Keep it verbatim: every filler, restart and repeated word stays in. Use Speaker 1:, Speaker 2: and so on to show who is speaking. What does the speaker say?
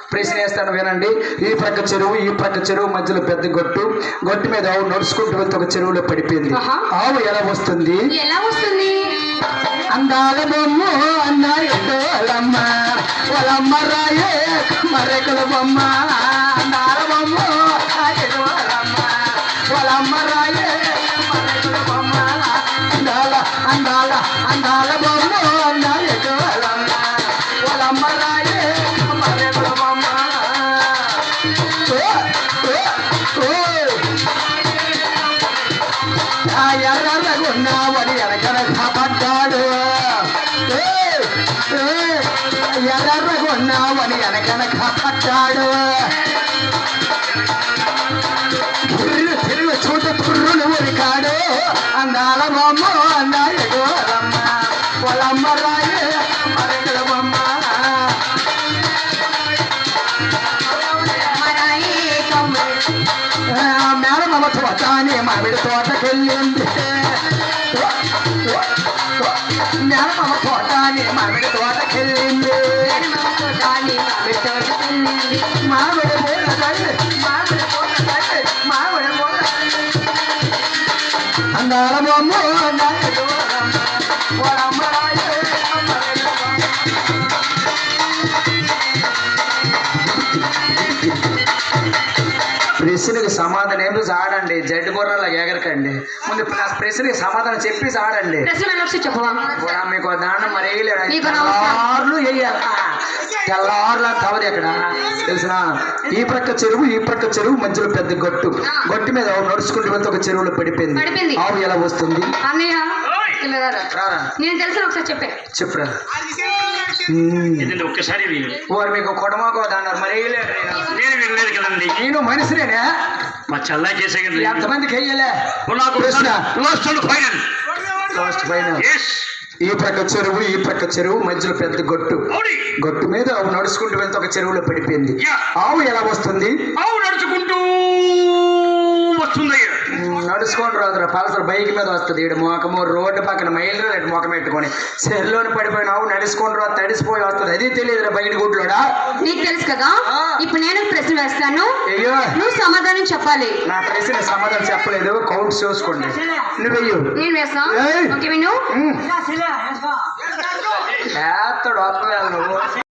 Speaker 1: ప్రశ్న వేస్తాను వినండి. ఈ ప్రక్క చెరువు ఈ ప్రక్క చెరువు మధ్యలో పెద్ద గొట్టు, గొట్టు మీద ఆవు నడుచుకుంటూ వెళ్తే ఒక చెరువులో పడిపోయింది. ఆవు ఎలా వస్తుంది?
Speaker 2: ఎలా వస్తుంది?
Speaker 1: అందాల బొమ్మ అన్నాయమ్మ వాళ్ళమ్మ రాయే మరెకల బొమ్మ, అందాల బొమ్మ వాళ్ళమ్మ రాయే మరెకల బొమ్మ, అందాల అందాల అందాల బొమ్మ అన్నాయమ్మ వాళ్ళమ్మ రాయే మరెకల బొమ్మ. ఎర్రగున్నావని ఎనకన కాపాడ్డాడు, ఎర్రగున్నావని ఎనకన కాపాడ్డాడు, తిరుగు తిరుగు చూట పుర్రులు ఉరికాడు, అందాల బొమ్మ అన్నాయమ్మ వాళ్ళమ్మ రాయే మరెకల బొమ్మ. మేనమామ తోటని మామిడి తోటకెళ్ళింది, మేనమామ తోటని మామిడి తోటకెళ్ళింది, మామిడి పూల తల్లి మామిడి పూల తల్లి మామిడి పూల అందాల బొమ్మ వాళ్ళమ్మ రాయే. ప్రశ్నకి సమాధానం ఏమి ఆడండి, జడ్డు బొర్రలా ఎగరకండి. ముందు ప్రశ్నకి సమాధానం చెప్పి ఆడండి. మీకు దాండం మరి వేయలేడు, తెల్లార్లు వేయాలి, తెల్లార్లు తవది ఎక్కడ తెలిసిన. ఈ ప్రక్క చెరువు ఈ ప్రక్క చెరువు మధ్యలో పెద్ద గొట్టు, గొట్టు మీద నడుచుకుంటూ వెళ్తే ఒక చెరువులో పడిపోయింది. ఆవు ఎలా వస్తుంది? చెప్పరా
Speaker 3: ఒక్కసారి
Speaker 1: వారు మీకు కొడమాకో అన్నారు మరి వేయలేడు.
Speaker 3: నేను వినలేదు కదండి,
Speaker 1: నేను మనిషినేనే,
Speaker 3: మా చల్లా చేసే
Speaker 1: ఎంతమందికి వేయలే. ఈ ప్రక్క చెరువు ఈ ప్రక్క చెరువు మధ్యలో పెద్ద గొట్టు, గొట్టు మీద ఆవు నడుచుకుంటూ వెళ్తే ఒక చెరువులో పడిపోయింది. ఆవు ఎలా వస్తుంది?
Speaker 3: ఆవు నడుచుకుంటూ వస్తుంది.
Speaker 1: నడుచుకొని రాదురా, పల్సర్ బైక్ మీద వస్తుంది. ఈడు మోకము రోడ్డు పక్కన మైలు ఇటు మొఖం పెట్టుకొని చెరువులోని పడిపోయిన ఆవు నడుచుకొని రా తడిసిపోయి వస్తుంది. అది తెలియదురా బయట గుడ్లోడా.
Speaker 2: నీకు తెలుసు కదా. ఇప్పుడు నేను ప్రశ్న వేస్తాను,
Speaker 1: అయ్యో
Speaker 2: నువ్వు సమాధానం చెప్పాలి.
Speaker 1: నా ప్రశ్న సమాధానం చెప్పలేదు, కౌంట్ చూసుకోండి. నువ్వు వెయ్యు
Speaker 2: నేను వేస్తాను. ఓకే విను.
Speaker 1: వేస్తాడు నువ్వు